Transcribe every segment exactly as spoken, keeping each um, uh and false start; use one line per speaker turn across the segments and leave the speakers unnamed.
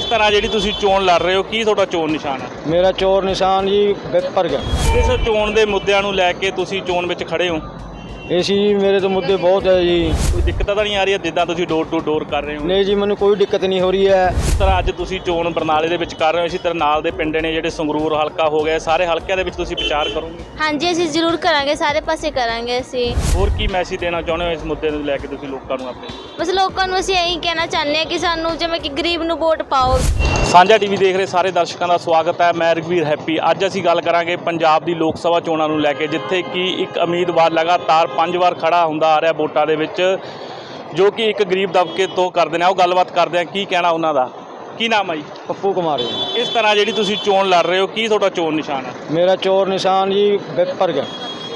ਕਿਸ ਤਰ੍ਹਾਂ ਜਿਹੜੀ ਤੁਸੀਂ ਚੋਣ ਲੜ ਰਹੇ ਹੋ, ਕੀ ਤੁਹਾਡਾ ਚੋਣ ਨਿਸ਼ਾਨ ਹੈ?
ਮੇਰਾ ਚੋਣ ਨਿਸ਼ਾਨ ਜੀ ਵਿਪਰ ਗਿਆ।
ਇਸ ਚੋਣ ਦੇ ਮੁੱਦਿਆਂ ਨੂੰ ਲੈ ਕੇ ਤੁਸੀਂ ਚੋਣ ਵਿੱਚ ਖੜੇ ਹੋ,
ਇਹ ਸੀ ਜੀ ਮੇਰੇ ਤੋਂ ਮੁੱਦੇ ਬਹੁਤ ਹੈ ਜੀ।
ਕੋਈ ਦਿੱਕਤ ਤਾਂ ਨਹੀਂ ਆ ਰਹੀ ਹੈ ਜਿੱਦਾਂ ਤੁਸੀਂ ਡੋਰ ਟੂ ਡੋਰ ਕਰ ਰਹੇ ਹੋ?
ਨਹੀਂ ਜੀ, ਮੈਨੂੰ ਕੋਈ ਦਿੱਕਤ ਨਹੀਂ ਹੋ ਰਹੀ ਹੈ।
ਇਸ ਤਰ੍ਹਾਂ ਅੱਜ ਤੁਸੀਂ ਚੋਣ ਬਰਨਾਲੇ ਦੇ ਵਿੱਚ ਕਰ ਰਹੇ ਹੋ, ਇਸੇ ਤਰ੍ਹਾਂ ਨਾਲ ਦੇ ਪਿੰਡ ਨੇ ਜਿਹੜੇ ਸੰਗਰੂਰ ਹਲਕਾ ਹੋ ਗਿਆ, ਸਾਰੇ ਹਲਕਿਆਂ ਦੇ ਵਿੱਚ ਤੁਸੀਂ ਪ੍ਰਚਾਰ ਕਰੋਗੇ?
ਹਾਂਜੀ, ਅਸੀਂ ਜ਼ਰੂਰ ਕਰਾਂਗੇ, ਸਾਰੇ ਪਾਸੇ ਕਰਾਂਗੇ ਅਸੀਂ।
ਹੋਰ ਕੀ ਮੈਸੇਜ ਦੇਣਾ ਚਾਹੁੰਦੇ ਹੋ ਇਸ ਮੁੱਦੇ ਨੂੰ ਲੈ ਕੇ ਤੁਸੀਂ ਲੋਕਾਂ ਨੂੰ ਆਪਣੇ?
ਬਸ ਲੋਕਾਂ ਨੂੰ ਅਸੀਂ ਇਹੀ ਕਹਿਣਾ ਚਾਹੁੰਦੇ ਹਾਂ ਕਿ ਸਾਨੂੰ ਜਿਵੇਂ ਕਿ ਗਰੀਬ ਨੂੰ ਵੋਟ ਪਾਓ।
ਸਾਂਝਾ ਟੀਵੀ ਦੇਖ ਰਹੇ ਸਾਰੇ ਦਰਸ਼ਕਾਂ ਦਾ ਸਵਾਗਤ ਹੈ। ਮੈਂ ਰਘਵੀਰ ਹੈਪੀ। ਅੱਜ ਅਸੀਂ ਗੱਲ ਕਰਾਂਗੇ ਪੰਜਾਬ ਦੀ ਲੋਕ ਸਭਾ ਚੋਣਾਂ ਨੂੰ ਲੈ ਕੇ, ਜਿੱਥੇ ਕਿ ਇੱਕ ਉਮੀਦਵਾਰ ਲਗਾਤਾਰ ਪੰਜ ਵਾਰ ਖੜਾ ਹੁੰਦਾ ਆ ਰਿਹਾ ਵੋਟਾਂ ਦੇ ਵਿੱਚ, ਜੋ ਕਿ ਇੱਕ ਗਰੀਬ ਦਬਕੇ ਤੋਂ ਕਰਦੇ ਨੇ। ਉਹ ਗੱਲਬਾਤ ਕਰਦੇ ਆ, ਕੀ ਕਹਿਣਾ ਉਹਨਾਂ ਦਾ। ਕੀ ਨਾਮ ਹੈ ਜੀ?
ਪੱਪੂ ਕੁਮਾਰ ਜੀ।
ਇਸ ਤਰ੍ਹਾਂ ਜਿਹੜੀ ਤੁਸੀਂ ਚੋਣ ਲੜ ਰਹੇ ਹੋ, ਕੀ ਤੁਹਾਡਾ ਚੋਣ ਨਿਸ਼ਾਨ ਹੈ?
ਮੇਰਾ ਚੋਣ ਨਿਸ਼ਾਨ ਜੀ ਵਿਪਰ ਗਿਆ।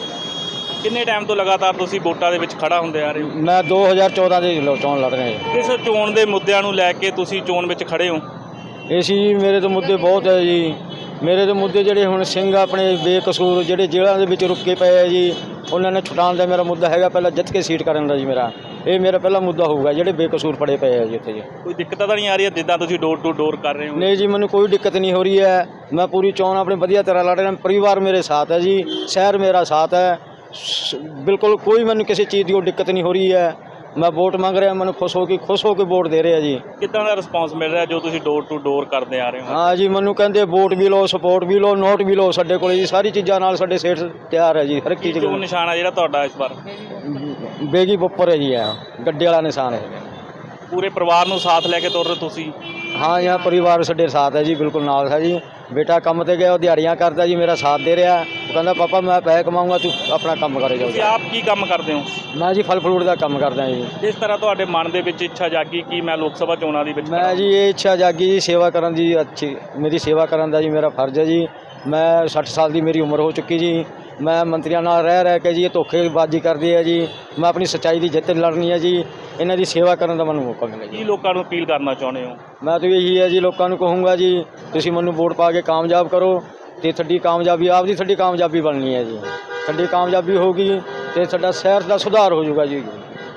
ਕਿੰਨੇ ਟਾਈਮ ਤੋਂ ਲਗਾਤਾਰ ਤੁਸੀਂ ਵੋਟਾਂ ਦੇ ਵਿੱਚ ਖੜਾ ਹੁੰਦੇ ਆ ਰਹੇ ਹੋ?
ਮੈਂ ਦੋ ਹਜ਼ਾਰ ਚੌਦਾਂ ਦੇ ਚੋਣ ਲੜ ਰਿਹਾ ਜੀ।
ਇਸ ਚੋਣ ਦੇ ਮੁੱਦਿਆਂ ਨੂੰ ਲੈ ਕੇ ਤੁਸੀਂ ਚੋਣ ਵਿੱਚ ਖੜੇ ਹੋ,
ਇਹ ਸੀ ਜੀ ਮੇਰੇ ਤੋਂ ਮੁੱਦੇ ਬਹੁਤ ਹੈ ਜੀ। ਮੇਰੇ ਤੋਂ ਮੁੱਦੇ ਜਿਹੜੇ ਹੁਣ ਸਿੰਘ ਆਪਣੇ ਬੇਕਸੂਰ ਜਿਹੜੇ ਜੇਲ੍ਹਾਂ ਦੇ ਵਿੱਚ ਰੁਕੇ ਪਏ ਹੈ ਜੀ, ਉਹਨਾਂ ਨੇ ਛੁਡਾਉਣ ਦਾ ਮੇਰਾ ਮੁੱਦਾ ਹੈਗਾ। ਪਹਿਲਾਂ ਜਿੱਤ ਕੇ ਸੀਟ ਕਰਨ ਦਾ ਜੀ ਮੇਰਾ ਇਹ ਮੇਰਾ ਪਹਿਲਾ ਮੁੱਦਾ ਹੋਊਗਾ, ਜਿਹੜੇ ਬੇਕਸੂਰ ਫੜੇ ਪਏ ਹੈ ਜੀ ਇੱਥੇ ਜੀ।
ਕੋਈ ਦਿੱਕਤ ਤਾਂ ਨਹੀਂ ਆ ਰਹੀ ਹੈ ਜਿੱਦਾਂ ਤੁਸੀਂ ਡੋਰ ਟੂ ਡੋਰ ਕਰ ਰਹੇ ਹੋ?
ਨਹੀਂ ਜੀ, ਮੈਨੂੰ ਕੋਈ ਦਿੱਕਤ ਨਹੀਂ ਹੋ ਰਹੀ ਹੈ। ਮੈਂ ਪੂਰੀ ਚੋਣ ਆਪਣੀ ਵਧੀਆ ਤਰ੍ਹਾਂ ਲੜ ਰਿਹਾ। ਪਰਿਵਾਰ ਮੇਰੇ ਸਾਥ ਹੈ ਜੀ, ਸ਼ਹਿਰ ਮੇਰਾ ਸਾਥ ਹੈ, ਬਿਲਕੁਲ ਕੋਈ ਮੈਨੂੰ ਕਿਸੇ ਚੀਜ਼ ਦੀ ਉਹ ਦਿੱਕਤ ਨਹੀਂ ਹੋ ਰਹੀ ਹੈ। ਮੈਂ ਵੋਟ ਮੰਗ ਰਿਹਾ, ਮੈਨੂੰ ਖੁਸ਼ ਹੋ ਕੇ ਖੁਸ਼ ਹੋ ਕੇ ਵੋਟ ਦੇ ਰਿਹਾ ਜੀ।
ਕਿੱਦਾਂ ਦਾ ਰਿਸਪੌਂਸ ਮਿਲ ਰਿਹਾ ਜੋ ਤੁਸੀਂ ਡੋਰ ਟੂ ਡੋਰ ਕਰਦੇ ਆ ਰਹੇ ਹੋ?
ਹਾਂ ਜੀ, ਮੈਨੂੰ ਕਹਿੰਦੇ ਵੋਟ ਵੀ ਲਓ, ਸਪੋਰਟ ਵੀ ਲਓ, ਨੋਟ ਵੀ ਲਓ। ਸਾਡੇ ਕੋਲ ਜੀ ਸਾਰੀ ਚੀਜ਼ਾਂ ਨਾਲ ਸਾਡੇ ਸੇਠ ਤਿਆਰ ਹੈ ਜੀ, ਹਰ ਇੱਕ ਚੀਜ਼।
ਚੋਣ ਨਿਸ਼ਾਨ ਹੈ ਜਿਹੜਾ ਤੁਹਾਡਾ ਇਸ ਵਾਰ?
ਬੇਗੀ ਬੱਪਰ ਹੈ ਜੀ, ਹੈ ਗੱਡੇ ਵਾਲਾ ਨਿਸ਼ਾਨ ਹੈ।
ਪੂਰੇ ਪਰਿਵਾਰ ਨੂੰ ਸਾਥ ਲੈ ਕੇ ਤੁਰ ਰਹੇ ਤੁਸੀਂ?
ਹਾਂ, यहाँ परिवार ਸਾਡੇ ਸਾਥ ਹੈ ਜੀ, ਬਿਲਕੁਲ ਨਾਲ ਹੈ ਜੀ। ਬੇਟਾ ਕੰਮ ਤੇ ਗਿਆ, ਉਹ ਦਿਹਾੜੀਆਂ ਕਰਦਾ ਜੀ, ਮੇਰਾ ਸਾਥ ਦੇ ਰਿਹਾ। ਉਹ ਕਹਿੰਦਾ ਪਾਪਾ ਮੈਂ ਪੈਸੇ ਕਮਾਊਂਗਾ, ਤੂੰ ਆਪਣਾ ਕੰਮ ਕਰੇ ਜਾਓ।
ਤੁਸੀਂ ਆਪ ਕੀ ਕੰਮ ਕਰਦੇ ਹੋ?
ਮੈਂ ਜੀ ਫਲ ਫਰੂਟ ਦਾ ਕੰਮ ਕਰਦਾ ਜੀ।
ਜਿਸ ਤਰ੍ਹਾਂ ਤੁਹਾਡੇ ਮਨ ਦੇ ਵਿੱਚ ਇੱਛਾ ਜਾਗੀ ਕਿ ਮੈਂ ਲੋਕ ਸਭਾ ਚੋਣਾਂ ਦੇ ਵਿੱਚ
ਮੈਂ ਜੀ ਇਹ ਇੱਛਾ ਜਾਗੀ ਜੀ ਸੇਵਾ ਕਰਨ ਦੀ, ਅੱਛੀ ਮੇਰੀ ਸੇਵਾ ਕਰਨ ਦਾ ਜੀ ਮੇਰਾ ਫਰਜ਼ ਹੈ ਜੀ। ਮੈਂ ਸੱਠ ਸਾਲ ਦੀ ਮੇਰੀ ਉਮਰ ਹੋ ਚੁੱਕੀ ਜੀ। ਮੈਂ ਮੰਤਰੀਆਂ ਨਾਲ ਰਹਿ ਰਹਿ ਕੇ ਜੀ ਇਹ ਧੋਖੇਬਾਜ਼ੀ ਕਰਦੇ ਆ ਜੀ। ਮੈਂ ਆਪਣੀ ਸੱਚਾਈ ਦੀ ਜਿੱਤ ਲੜਨੀ ਹੈ ਜੀ। ਇਹਨਾਂ ਦੀ ਸੇਵਾ ਕਰਨ ਦਾ ਮੈਨੂੰ ਮੌਕਾ ਮਿਲੇ ਜੀ।
ਕੀ ਲੋਕਾਂ ਨੂੰ ਅਪੀਲ ਕਰਨਾ ਚਾਹੁੰਦੇ ਹੋ?
ਮੈਂ ਤਾਂ ਇਹੀ ਹੈ ਜੀ, ਲੋਕਾਂ ਨੂੰ ਕਹੂੰਗਾ ਜੀ ਤੁਸੀਂ ਮੈਨੂੰ ਵੋਟ ਪਾ ਕੇ ਕਾਮਯਾਬ ਕਰੋ, ਅਤੇ ਤੁਹਾਡੀ ਕਾਮਯਾਬੀ ਆਪਦੀ ਤੁਹਾਡੀ ਕਾਮਯਾਬੀ ਬਣਨੀ ਹੈ ਜੀ। ਤੁਹਾਡੀ ਕਾਮਯਾਬੀ ਹੋਊਗੀ ਅਤੇ ਸਾਡਾ ਸ਼ਹਿਰ ਦਾ ਸੁਧਾਰ ਹੋ ਜਾਊਗਾ ਜੀ।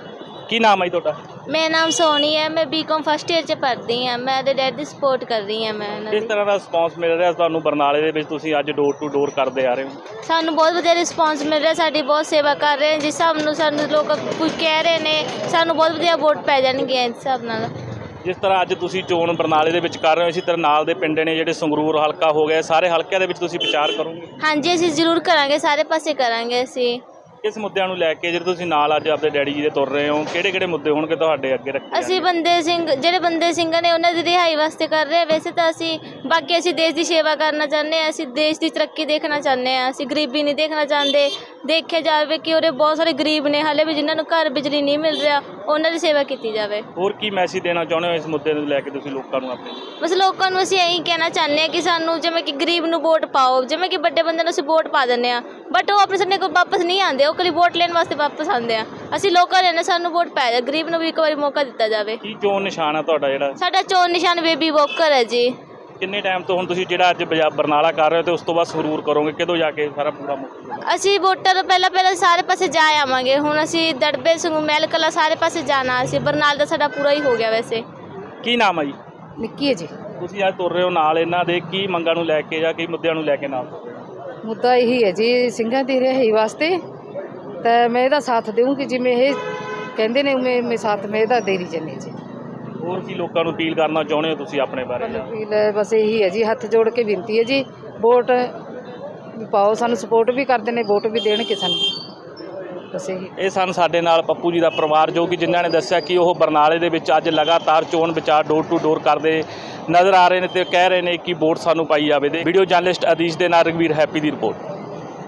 ਕੀ ਨਾਮ ਹੈ ਜੀ ਤੁਹਾਡਾ?
ਮੇਰਾ ਨਾਮ ਸੋਨੀ ਹੈ, ਮੈਂ ਬੀਕਾਮ ਫਸਟ ਈਅਰ 'ਚ ਪੜ੍ਹਦੀ ਹਾਂ। ਮੈਂ ਉਹਦੇ ਡੈਡ ਦੀ ਸਪੋਰਟ ਕਰ ਰਹੀ ਹਾਂ। ਮੈਂ ਉਹਨਾਂ
ਕਿਸ
ਦੀ
ਤਰ੍ਹਾਂ ਦਾ ਰਿਸਪੌਂਸ ਮਿਲ ਰਿਹਾ ਤੁਹਾਨੂੰ ਬਰਨਾਲੇ ਦੇ ਵਿੱਚ, ਤੁਸੀਂ ਅੱਜ ਡੋਰ ਟੂ ਡੋਰ ਕਰਦੇ ਆ ਰਹੇ ਹੋ?
ਸਾਨੂੰ ਬਹੁਤ ਵਧੀਆ ਰਿਸਪੌਂਸ ਮਿਲ ਰਿਹਾ, ਸਾਡੀ ਬਹੁਤ ਸੇਵਾ ਕਰ ਰਹੇ ਜਿਸ ਹਿਸਾਬ ਨੂੰ ਸਾਨੂੰ ਲੋਕ ਕੁਝ ਕਹਿ ਰਹੇ ਨੇ, ਸਾਨੂੰ ਬਹੁਤ ਵਧੀਆ ਵੋਟ ਪੈ ਜਾਣਗੀਆਂ ਇਸ ਹਿਸਾਬ ਨਾਲ।
ਜਿਸ ਤਰ੍ਹਾਂ ਅੱਜ ਤੁਸੀਂ ਚੋਣ ਬਰਨਾਲੇ ਦੇ ਵਿੱਚ ਕਰ ਰਹੇ ਹੋ, ਇਸੇ ਤਰ੍ਹਾਂ ਨਾਲ ਦੇ ਪਿੰਡ ਨੇ ਜਿਹੜੇ ਸੰਗਰੂਰ ਹਲਕਾ ਹੋ ਗਿਆ, ਸਾਰੇ ਹਲਕਿਆਂ ਦੇ ਵਿੱਚ ਤੁਸੀਂ ਪ੍ਰਚਾਰ ਕਰੋਗੇ?
ਹਾਂਜੀ, ਅਸੀਂ ਜ਼ਰੂਰ ਕਰਾਂਗੇ, ਸਾਰੇ ਪਾਸੇ ਕਰਾਂਗੇ ਅਸੀਂ।
ਕਿਸ ਮੁੱਦਿਆਂ ਨੂੰ ਲੈ ਕੇ ਜਿਹੜੇ ਤੁਸੀਂ ਨਾਲ ਅੱਜ ਆਪਣੇ ਡੈਡੀ ਜੀ ਦੇ ਤੁਰ ਰਹੇ ਹੋ, ਕਿਹੜੇ ਕਿਹੜੇ ਮੁੱਦੇ ਹੋਣਗੇ ਤੁਹਾਡੇ ਅੱਗੇ ਰੱਖੇ?
ਅਸੀਂ ਬੰਦੇ ਸਿੰਘ ਜਿਹੜੇ ਬੰਦੇ ਸਿੰਘ ਨੇ ਉਹਨਾਂ ਦੀ ਰਿਹਾਈ ਵਾਸਤੇ ਕਰ ਰਹੇ ਹਾਂ। ਵੈਸੇ ਤਾਂ ਅਸੀਂ ਬਾਕੀ ਅਸੀਂ ਦੇਸ਼ ਦੀ ਸੇਵਾ ਕਰਨਾ ਚਾਹੁੰਦੇ ਹਾਂ, ਅਸੀਂ ਦੇਸ਼ ਦੀ ਤਰੱਕੀ ਦੇਖਣਾ ਚਾਹੁੰਦੇ ਹਾਂ, ਅਸੀਂ ਗਰੀਬੀ ਨਹੀਂ ਦੇਖਣਾ ਚਾਹੁੰਦੇ। ਦੇਖਿਆ ਜਾਵੇ ਕਿ ਉਹਦੇ ਬਹੁਤ ਸਾਰੇ ਗਰੀਬ ਨੇ ਹਾਲੇ ਵੀ ਜਿਨ੍ਹਾਂ ਨੂੰ ਘਰ ਬਿਜਲੀ ਨਹੀਂ ਮਿਲ ਰਿਹਾ, ਉਹਨਾਂ ਦੀ ਸੇਵਾ ਕੀਤੀ ਜਾਵੇ।
ਹੋਰ ਕੀ ਮੈਸੇਜ ਦੇਣਾ ਚਾਹੁੰਦੇ ਹੋ ਇਸ ਮੁੱਦੇ ਨੂੰ ਲੈ ਕੇ ਤੁਸੀਂ ਲੋਕਾਂ ਨੂੰ ਆਪਣੇ?
ਬਸ ਲੋਕਾਂ ਨੂੰ ਅਸੀਂ ਇਹੀ ਕਹਿਣਾ ਚਾਹੁੰਦੇ ਹਾਂ ਕਿ ਸਾਨੂੰ ਜਿਵੇਂ ਕਿ ਗਰੀਬ ਨੂੰ ਵੋਟ ਪਾਓ। ਜਿਵੇਂ ਕਿ ਵੱਡੇ ਬੰਦੇ ਨੂੰ ਅਸੀਂ ਵੋਟ ਪਾ ਦਿੰਦੇ ਹਾਂ, ਬਟ ਉਹ ਆਪਣੇ ਸਾਡੇ ਕੋਲ ਵਾਪਸ ਨਹੀਂ ਆਉਂਦੇ, ਉਹ ਕੱਲੀ ਵੋਟ ਲੈਣ ਵਾਸਤੇ ਵਾਪਸ ਆਉਂਦੇ ਆ। ਅਸੀਂ ਲੋਕਾਂ ਨੇ ਸਾਨੂੰ ਵੋਟ ਪੈ ਜਾ, ਗਰੀਬ ਨੂੰ ਵੀ ਇੱਕ ਵਾਰੀ ਮੌਕਾ ਦਿੱਤਾ ਜਾਵੇ।
ਕੀ ਚੋਣ ਨਿਸ਼ਾਨ ਹੈ ਤੁਹਾਡਾ ਜਿਹੜਾ?
ਸਾਡਾ ਚੋਣ ਨਿਸ਼ਾਨ ਬੇਬੀ ਵੋਕਰ ਹੈ ਜੀ।
ਕਿੰਨੇ ਟਾਈਮ ਤੋਂ ਹੁਣ ਤੁਸੀਂ ਜਿਹੜਾ ਅੱਜ ਬਜਾ ਬਰਨਾਲਾ ਕਰ ਰਹੇ ਹੋ, ਤੇ ਉਸ ਤੋਂ ਬਾਅਦ ਸੰਗਰੂਰ ਕਰੋਗੇ, ਕਿਦੋਂ ਜਾ ਕੇ ਸਾਰਾ ਪੂਰਾ ਮੁੱਕ?
ਅਸੀਂ ਵੋਟਾਂ ਤੋਂ ਪਹਿਲਾਂ ਪਹਿਲਾਂ ਸਾਰੇ ਪਾਸੇ ਜਾ ਆਵਾਂਗੇ। ਹੁਣ ਅਸੀਂ ਦੜਬੇ ਸੰਗੂ ਮਹਿਲ ਕਲਾ ਸਾਰੇ ਪਾਸੇ ਜਾਣਾ। ਅਸੀਂ ਬਰਨਾਲ ਦਾ ਸਾਡਾ ਪੂਰਾ ਹੀ ਹੋ ਗਿਆ ਵੈਸੇ।
ਕੀ ਨਾਮ ਹੈ ਜੀ?
ਨਿੱਕੀ ਹੈ ਜੀ।
ਤੁਸੀਂ ਅੱਜ ਤੁਰ ਰਹੇ ਹੋ ਨਾਲ ਇਹਨਾਂ ਦੇ, ਕੀ ਮੰਗਾਂ ਨੂੰ ਲੈ ਕੇ ਜਾਂ ਕੀ ਮੁੱਦਿਆਂ ਨੂੰ ਲੈ ਕੇ ਨਾਲ ਤੁਰ ਰਹੇ ਹੋ?
ਮੁੱਦਾ ਇਹੀ ਹੈ ਜੀ ਸਿੰਘਾਂ ਦੀ ਰਿਹਾਈ ਵਾਸਤੇ, ਤਾਂ ਮੈਂ ਇਹਦਾ ਸਾਥ ਦੇਵਾਂਗੀ ਜਿਵੇਂ ਇਹ ਕਹਿੰਦੇ ਨੇ ਉਵੇਂ ਮੈਂ ਸਾਥ ਮੈਂ ਇਹਦਾ ਦੇ ਰਹੀ ਜਾਂਦੀ ਜੀ।
ਹੋਰ ਕੀ ਲੋਕਾਂ ਨੂੰ ਅਪੀਲ ਕਰਨਾ ਚਾਹੁੰਦੇ ਹੋ ਤੁਸੀਂ ਆਪਣੇ ਬਾਰੇ?
ਅਪੀਲ ਬਸ ਇਹੀ ਹੈ ਜੀ, ਹੱਥ ਜੋੜ ਕੇ ਬੇਨਤੀ ਹੈ ਜੀ, ਵੋਟ ਵੀ ਪਾਓ। ਸਾਨੂੰ ਸਪੋਰਟ ਵੀ ਕਰਦੇ ਨੇ, ਵੋਟ ਵੀ ਦੇਣਗੇ ਸਾਨੂੰ। ਬਸ ਇਹੀ।
ਇਹ ਸਨ ਸਾਡੇ ਨਾਲ ਪੱਪੂ ਜੀ ਦਾ ਪਰਿਵਾਰ, ਜੋ ਕਿ ਜਿਨ੍ਹਾਂ ਨੇ ਦੱਸਿਆ ਕਿ ਉਹ ਬਰਨਾਲੇ ਦੇ ਵਿੱਚ ਅੱਜ ਲਗਾਤਾਰ ਚੋਣ ਵਿਚਾਰ ਡੋਰ ਟੂ ਡੋਰ ਕਰਦੇ ਨਜ਼ਰ ਆ ਰਹੇ ਨੇ, ਤੇ ਕਹਿ ਰਹੇ ਨੇ ਕਿ ਵੋਟ ਸਾਨੂੰ ਪਾਈ ਜਾਵੇ। ਵੀਡੀਓ ਜਰਨਲਿਸਟ ਅਦੀਸ਼ ਦੇ ਨਾਲ ਰਘਵੀਰ ਹੈਪੀ ਦੀ ਰਿਪੋਰਟ।